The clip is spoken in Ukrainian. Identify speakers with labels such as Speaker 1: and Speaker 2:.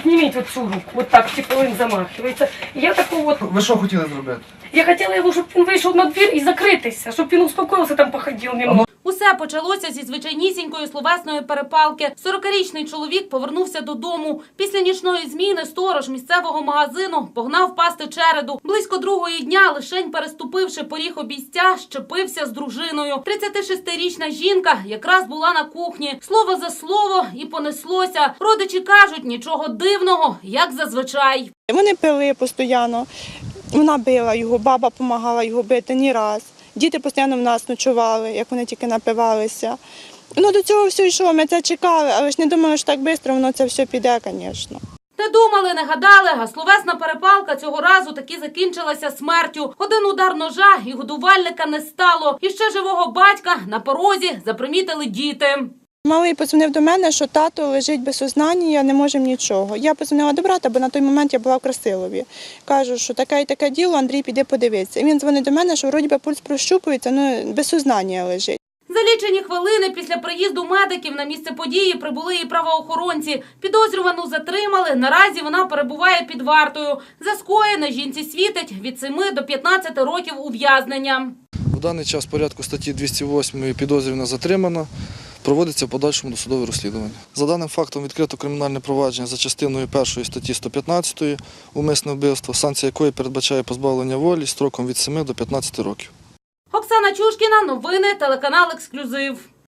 Speaker 1: підніміть оцю руку, от так, типу він замахується. І я таку от...
Speaker 2: Ви що хотіли зробити?
Speaker 1: Я хотіла його, щоб він вийшов на двір і закритися, щоб він успокоївся, там походив немного.
Speaker 3: Усе почалося зі звичайнісінької словесної перепалки. 40-річний чоловік повернувся додому. Після нічної зміни сторож місцевого магазину погнав пасти череду. Близько 2-ї дня, лишень переступивши поріг обійстя, щепився з дружиною. 36-річна жінка якраз була на кухні. Слово за слово і понеслося. Родичі кажуть, нічого дивного, як зазвичай.
Speaker 4: Вони пили постійно. Вона била його, баба допомагала його бити не раз. Діти постійно в нас ночували, як вони тільки напивалися. Ну, до цього все йшло, ми це чекали, але ж не думали, що так швидко воно це все піде, звісно.
Speaker 3: Не думали, не гадали, а словесна перепалка цього разу таки закінчилася смертю. Один удар ножа і годувальника не стало. І ще живого батька на порозі запримітили діти.
Speaker 4: Малий подзвонив до мене, що тато лежить без сознання, не можемо нічого. Я подзвонила до брата, бо на той момент я була в Красилові. Кажу, що таке і таке діло, Андрій, піде подивитися. І він дзвонить до мене, що вроді би пульс прощупується, ну без сознання лежить.
Speaker 3: За лічені хвилини після приїзду медиків на місце події прибули і правоохоронці. Підозрювану затримали, наразі вона перебуває під вартою. За скоєне жінці світить від 7 до 15 років ув'язнення.
Speaker 5: В даний час в порядку статті 208 підозрювана затримана. Проводиться в подальшому досудове розслідування. За даним фактом відкрито кримінальне провадження за частиною 1 статті 115 «Умисне вбивство», санкція якої передбачає позбавлення волі строком від 7 до 15 років.
Speaker 3: Оксана Чушкіна, новини, телеканал «Ексклюзив».